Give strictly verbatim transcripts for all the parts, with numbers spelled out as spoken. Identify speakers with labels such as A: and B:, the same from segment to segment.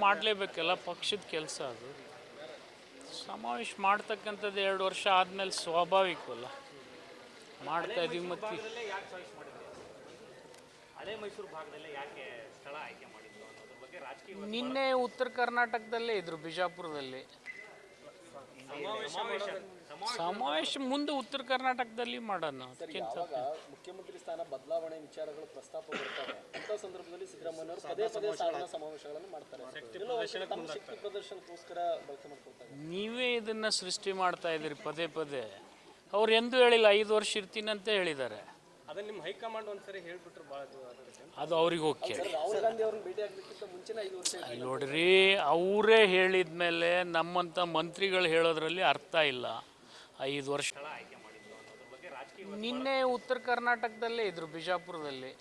A: ಮಾಡಲೇಬೇಕಲ್ಲ, ಪಕ್ಷದ ಕೆಲಸ ಅದು. ಸಮಾವೇಶ ಮಾಡ್ತಕ್ಕಂಥದ್ದು ಎರಡು ವರ್ಷ ಆದಮೇಲೆ ಸ್ವಾಭಾವಿಕವಲ್ಲ, ಮಾಡ್ತಾ ಇದೀವಿ. ಮತ್ತು
B: ಹಳೆ ಮೈಸೂರು ಭಾಗದಲ್ಲೇ ಯಾಕೆ ಸ್ಥಳ ಆಯ್ಕೆ ಮಾಡಿದ್ರು ಅನ್ನೋದ್ರ ಬಗ್ಗೆ ರಾಜಕೀಯ
A: ನಿನ್ನೆ ಉತ್ತರ ಕರ್ನಾಟಕದಲ್ಲೇ ಇದ್ರು, ಬಿಜಾಪುರದಲ್ಲಿ ಸಮಾವೇಶ. ಮುಂದೆ ಉತ್ತರ ಕರ್ನಾಟಕದಲ್ಲಿ ಮಾಡೋಣ. ಅದಕ್ಕಿಂತ
C: ಮುಖ್ಯಮಂತ್ರಿ ಸ್ಥಾನ ಬದಲಾವಣೆ ವಿಚಾರಗಳು ಪ್ರಸ್ತಾಪ ಬರ್ತವೆ ಅಂತ ಸಂದರ್ಭದಲ್ಲಿ ಸಿದ್ದರಾಮಯ್ಯ ಅವರು ಪದೇ ಪದೇ ಸಾಧನಾ ಸಮಾವೇಶಗಳನ್ನು ಮಾಡ್ತಾರೆ. ತಮ್ಮ ಶಕ್ತಿ ಪ್ರದರ್ಶನಕ್ಕೋಸ್ಕರ ಬಳಕೆ ಮಾಡ್ಕೊಳ್ತಾರೆ.
A: ನೀವೇ ಇದನ್ನ ಸೃಷ್ಟಿ ಮಾಡ್ತಾ ಇದ್ದೀರಿ ಪದೇ ಪದೇ. ಅವ್ರು ಎಂದೂ ಹೇಳಿಲ್ಲ ಐದು ವರ್ಷ ಇರ್ತೀನಿ ಅಂತ ಹೇಳಿದ್ದಾರೆ.
B: ಅದನ್ನ ನಿಮ್ಮ ಹೈಕಮಾಂಡ್ ಒಂದ್ಸರಿ ಹೇಳ್ಬಿಟ್ರು ಭಾಳ
A: ಅದು ಅವ್ರಿಗೆ ಹೋಗಿ
C: ರಾಹುಲ್ ಗಾಂಧಿ ಅವ್ರನ್ನ ಭೇಟಿ ಆಗ್ಬೇಕಿಂತ ಮುಂಚೆನೇ ಐದು ವರ್ಷ
A: ನೋಡ್ರಿ, ಅವರೇ ಹೇಳಿದ ಮೇಲೆ ನಮ್ಮಂಥ ಮಂತ್ರಿಗಳು ಹೇಳೋದ್ರಲ್ಲಿ ಅರ್ಥ ಇಲ್ಲ. ಐದು ವರ್ಷ ನಿನ್ನೆ ಉತ್ತರ ಕರ್ನಾಟಕದಲ್ಲೇ ಇದ್ರು, ಬಿಜಾಪುರದಲ್ಲಿ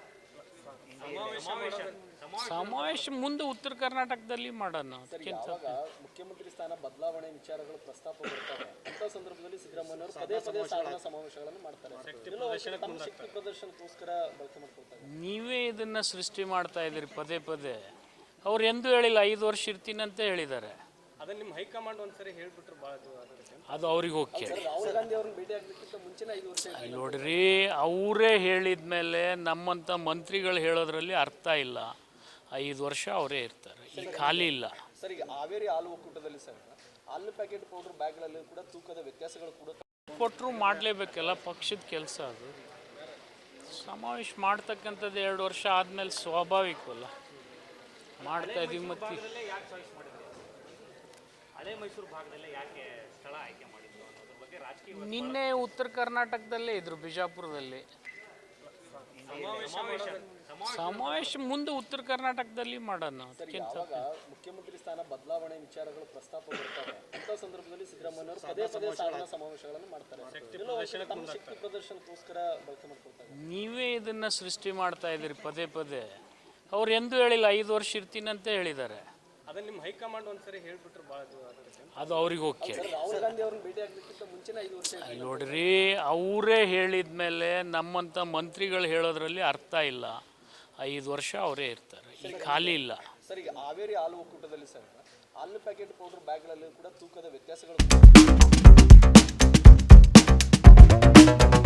A: ಸಮಾವೇಶ. ಮುಂದೆ ಉತ್ತರ ಕರ್ನಾಟಕದಲ್ಲಿ ಮಾಡೋಣ. ಅದಕ್ಕಿಂತ
C: ಮುಖ್ಯಮಂತ್ರಿ ಸ್ಥಾನ ಬದಲಾವಣೆ ವಿಚಾರಗಳು ಪ್ರಸ್ತಾಪ ಬರ್ತವೆ ಅಂತ ಸಂದರ್ಭದಲ್ಲಿ ಸಿದ್ದರಾಮಯ್ಯ ಅವರು ಪದೇ ಪದೇ ಸಾಧನಾ ಸಮಾವೇಶಗಳನ್ನು ಮಾಡ್ತಾರೆ. ತಮ್ಮ ಶಕ್ತಿ ಪ್ರದರ್ಶನಕ್ಕೋಸ್ಕರ ಬಳಕೆ ಮಾಡ್ಕೊಳ್ತಾರೆ.
A: ನೀವೇ ಇದನ್ನ ಸೃಷ್ಟಿ ಮಾಡ್ತಾ ಇದ್ದೀರಿ ಪದೇ ಪದೇ. ಅವ್ರು ಎಂದೂ ಹೇಳಿಲ್ಲ ಐದು ವರ್ಷ ಇರ್ತೀನಿ ಅಂತ ಹೇಳಿದ್ದಾರೆ.
B: ಅದನ್ನ ನಿಮ್ಮ ಹೈಕಮಾಂಡ್ ಒಂದ್ಸರಿ ಹೇಳ್ಬಿಟ್ರು ಭಾಳ
A: ಅದು ಅವ್ರಿಗೆ ಹೋಗಿ
C: ರಾಹುಲ್ ಗಾಂಧಿ ಅವ್ರನ್ನ ಭೇಟಿ ಆಗ್ಬೇಕಿಂತ ಮುಂಚೆನೇ ಐದು ವರ್ಷ
A: ನೋಡ್ರಿ, ಅವರೇ ಹೇಳಿದ ಮೇಲೆ ನಮ್ಮಂಥ ಮಂತ್ರಿಗಳು ಹೇಳೋದ್ರಲ್ಲಿ ಅರ್ಥ ಇಲ್ಲ. ಐದು ವರ್ಷ ಅವರೇ ಇರ್ತಾರೆ, ಈಗ ಖಾಲಿ ಇಲ್ಲ.
C: ಸರ್, ಈಗ ಹಾವೇರಿ ಹಾಲು ಒಕ್ಕೂಟದಲ್ಲಿ ಸರ್ ಹಾಲು ಪ್ಯಾಕೆಟ್ ಪೌಡರ್ ಬ್ಯಾಗ್ಗಳಲ್ಲಿ ಕೂಡ ತೂಕದ ವ್ಯತ್ಯಾಸಗಳು ಕೂಡ
A: ಕೊಟ್ಟರು ಮಾಡಲೇಬೇಕಲ್ಲ, ಪಕ್ಷದ ಕೆಲಸ ಅದು. ಸಮಾವೇಶ ಮಾಡ್ತಕ್ಕಂಥದ್ದು ಎರಡು ವರ್ಷ ಆದಮೇಲೆ ಸ್ವಾಭಾವಿಕವಲ್ಲ, ಮಾಡ್ತಾ ಇದೀವಿ. ಮತ್ತು
B: ಹಳೆ ಮೈಸೂರು ಭಾಗದಲ್ಲೇ ಯಾಕೆ ಸ್ಥಳ ಆಯ್ಕೆ ಮಾಡಿದ್ರು ಅನ್ನೋದ್ರ ಬಗ್ಗೆ ರಾಜಕೀಯ
A: ನಿನ್ನೆ ಉತ್ತರ ಕರ್ನಾಟಕದಲ್ಲೇ ಇದ್ರು, ಬಿಜಾಪುರದಲ್ಲಿ ಸಮಾವೇಶ. ಮುಂದೆ ಉತ್ತರ ಕರ್ನಾಟಕದಲ್ಲಿ ಮಾಡೋಣ. ಅದಕ್ಕಿಂತ
C: ಮುಖ್ಯಮಂತ್ರಿ ಸ್ಥಾನ ಬದಲಾವಣೆ ವಿಚಾರಗಳು ಪ್ರಸ್ತಾಪ ಬರ್ತವೆ ಅಂತ ಸಂದರ್ಭದಲ್ಲಿ ಸಿದ್ದರಾಮಯ್ಯ ಅವರು ಪದೇ ಪದೇ ಸಾಧನಾ ಸಮಾವೇಶಗಳನ್ನು ಮಾಡ್ತಾರೆ. ತಮ್ಮ ಶಕ್ತಿ ಪ್ರದರ್ಶನಕ್ಕೋಸ್ಕರ ಬಳಕೆ ಮಾಡ್ಕೊಳ್ತಾರೆ.
A: ನೀವೇ ಇದನ್ನ ಸೃಷ್ಟಿ ಮಾಡ್ತಾ ಇದ್ದೀರಿ ಪದೇ ಪದೇ. ಅವ್ರು ಎಂದೂ ಹೇಳಿಲ್ಲ ಐದು ವರ್ಷ ಇರ್ತೀನಿ ಅಂತ ಹೇಳಿದ್ದಾರೆ.
B: ಅದನ್ನ ನಿಮ್ಮ ಹೈಕಮಾಂಡ್ ಒಂದ್ಸರಿ ಹೇಳ್ಬಿಟ್ರು ಭಾಳ
A: ಅದು ಅವ್ರಿಗೆ ಹೋಗಿ
C: ರಾಹುಲ್ ಗಾಂಧಿ ಅವ್ರನ್ನ ಭೇಟಿ ಆಗ್ಬೇಕಿಂತ ಮುಂಚೆನೇ ಐದು ವರ್ಷ
A: ನೋಡ್ರಿ, ಅವರೇ ಹೇಳಿದ ಮೇಲೆ ನಮ್ಮಂಥ ಮಂತ್ರಿಗಳು ಹೇಳೋದ್ರಲ್ಲಿ ಅರ್ಥ ಇಲ್ಲ. ಐದು ವರ್ಷ ಅವರೇ ಇರ್ತಾರೆ, ಈಗ ಖಾಲಿ ಇಲ್ಲ.
C: ಸರ್, ಈಗ ಹಾವೇರಿ ಹಾಲು ಒಕ್ಕೂಟದಲ್ಲಿ ಸರ್ ಹಾಲು ಪ್ಯಾಕೆಟ್ ಪೌಡರ್ ಬ್ಯಾಗ್ಗಳಲ್ಲಿ ಕೂಡ ತೂಕದ ವ್ಯತ್ಯಾಸಗಳು